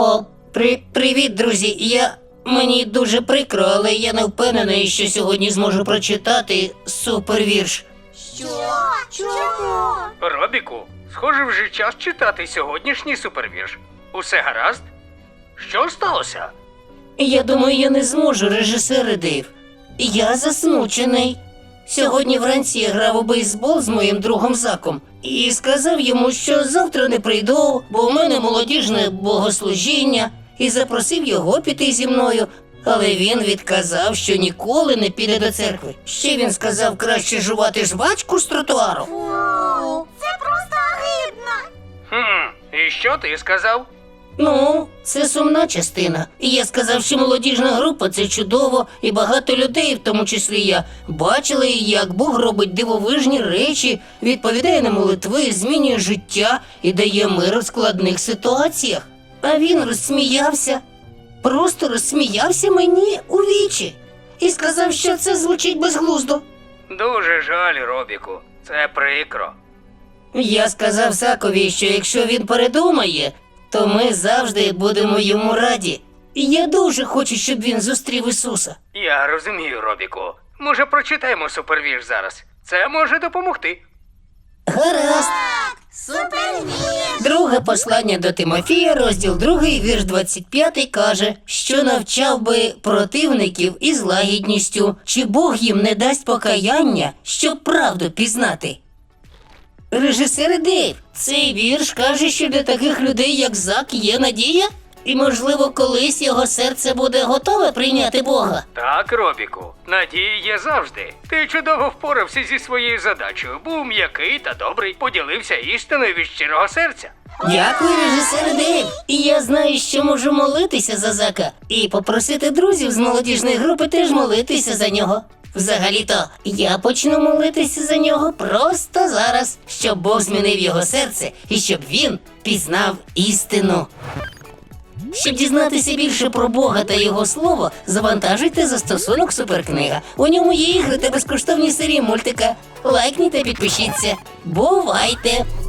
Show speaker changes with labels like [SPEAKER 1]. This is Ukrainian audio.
[SPEAKER 1] Привіт, друзі. Мені дуже прикро, але я не впевнений, що сьогодні зможу прочитати супервірш.
[SPEAKER 2] Що? Чому?
[SPEAKER 3] Робіку, схоже, вже час читати сьогоднішній супервірш. Усе гаразд? Що сталося?
[SPEAKER 1] Я думаю, я не зможу, режисер Дейв. Я засмучений. Сьогодні вранці я грав у бейсбол з моїм другом Заком і сказав йому, що завтра не прийду, бо у мене молодіжне богослужіння, і запросив його піти зі мною. Але він відказав, що ніколи не піде до церкви. Ще він сказав, краще жувати жвачку з тротуару.
[SPEAKER 2] Фу, це просто огидно.
[SPEAKER 3] І що ти сказав?
[SPEAKER 1] Ну, це сумна частина. І я сказав, що молодіжна група – це чудово, і багато людей, в тому числі я, бачили, як Бог робить дивовижні речі, відповідає на молитви, змінює життя і дає мир у складних ситуаціях. А він розсміявся. Просто розсміявся мені у вічі. І сказав, що це звучить безглуздо.
[SPEAKER 3] Дуже жаль, Робіку. Це прикро.
[SPEAKER 1] Я сказав Закові, що якщо він передумає, то ми завжди будемо йому раді. І я дуже хочу, щоб він зустрів Ісуса.
[SPEAKER 3] Я розумію, Робіку. Може, прочитаємо супервірш зараз? Це може допомогти.
[SPEAKER 1] Гаразд.
[SPEAKER 2] Супервірш!
[SPEAKER 1] Друге послання до Тимофія, розділ 2, вірш 25, каже, що навчав би противників із лагідністю, чи Бог їм не дасть покаяння, щоб правду пізнати. Режисер Дейв, цей вірш каже, що для таких людей, як Зак, є надія? І, можливо, колись його серце буде готове прийняти Бога?
[SPEAKER 3] Так, Робіку, надія є завжди. Ти чудово впорався зі своєю задачею, був м'який та добрий, поділився істиною від щирого серця.
[SPEAKER 1] Дякую, режисер Дейв. І я знаю, що можу молитися за Зака. І попросити друзів з молодіжної групи теж молитися за нього. Взагалі-то, я почну молитися за нього просто зараз, щоб Бог змінив його серце і щоб він пізнав істину. Щоб дізнатися більше про Бога та Його Слово, завантажуйте застосунок Суперкнига. У ньому є ігри та безкоштовні серії мультика. Лайкніть та підпишіться. Бувайте!